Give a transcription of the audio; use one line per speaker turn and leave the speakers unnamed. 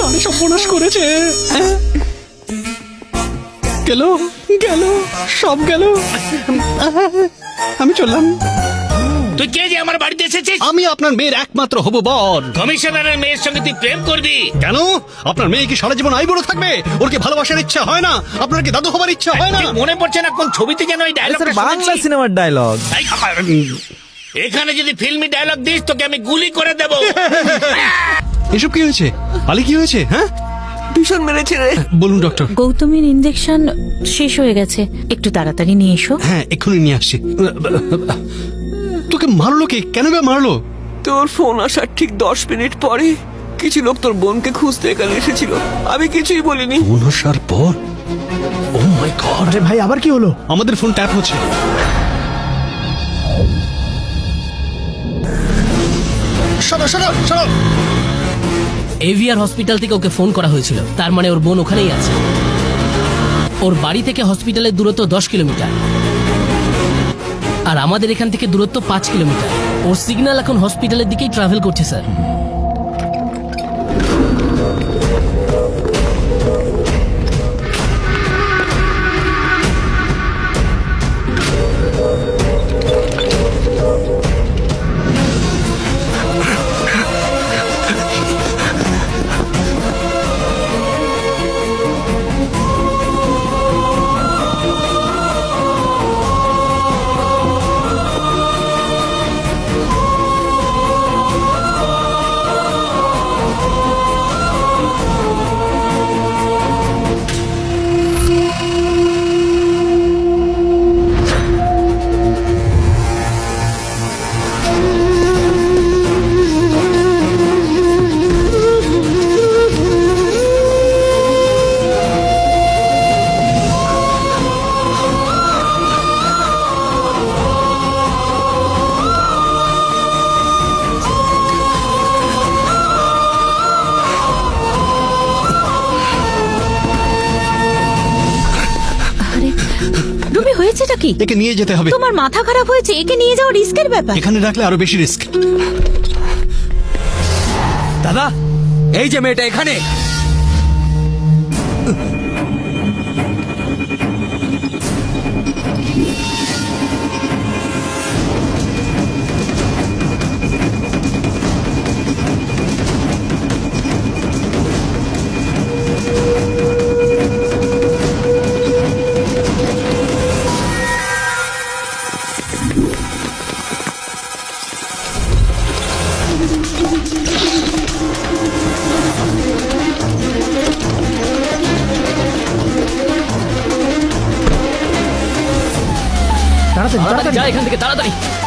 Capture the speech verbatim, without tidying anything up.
সাড়ে সর্বনাশ করেছে। গেল গেল সব গেল। আমি চললাম।
তুই কে যে আমার বাড়িতে এসেছিস?
আমি আপনার মেয়ের একমাত্র হবু বর।
কমিশনারের মেয়ের সঙ্গে তুই প্রেম করবি?
কেন? আপনার মেয়ে কি সারা জীবন আইবুড়ো থাকবে? ওর কি ভালোবাসার ইচ্ছা হয় না? আপনার কি দাদু হবার ইচ্ছা হয় না?
ঠিক মনে পড়ছে না কোন ছবিতে যেন এই ডায়লগটা
বাংলা সিনেমার ডায়লগ।
এখানে যদি ফিল্মি ডায়লগ দিস তোকে আমি গুলি করে দেব।
এসব কি হয়েছে? আলী কি হয়েছে? হ্যাঁ
ভীষণ মেরেছে রে।
বলুন ডক্টর।
গৌতমের ইনজেকশন শেষ হয়ে গেছে, একটু তাড়াতাড়ি নিয়ে এসো।
হ্যাঁ এক্ষুনি নিয়ে আসছি। তোকে মারলো কে? কেন বে মারলো?
তোর ফোন আসার ঠিক দশ মিনিট পরে কিছু লোক তোর বোনকে খুঁজতে এখানে এসেছিল, আমি কিছুই বলিনি।
ফোন আসার পর? Oh my god.
আরে ভাই আবার কি হলো?
আমাদের ফোন ট্যাপ হচ্ছে। সরো সরো সরো।
এভিআর হসপিটাল থেকে ওকে ফোন করা হয়েছিল, তার মানে ওর বোন ওখানেই আছে। ওর বাড়ি থেকে হসপিটালের দূরত্ব দশ কিলোমিটার আর আমাদের এখান থেকে দূরত্ব পাঁচ কিলোমিটার। ওর সিগন্যাল এখন হসপিটালের দিকেই ট্রাভেল করছে স্যার।
রুমি, হয়েছেটা কি?
একে নিয়ে যেতে হবে।
তোমার মাথা খারাপ হয়েছে? একে নিয়ে যাওয়া রিস্কের ব্যাপার।
এখানে রাখলে আরো বেশি রিস্ক।
দাদা, এই যে মেয়েটা এখানে।
তাড়াতাড়ি
তাড়াতাড়ি
তাড়াতাড়ি।
যা এখান থেকে, তাড়াতাড়ি।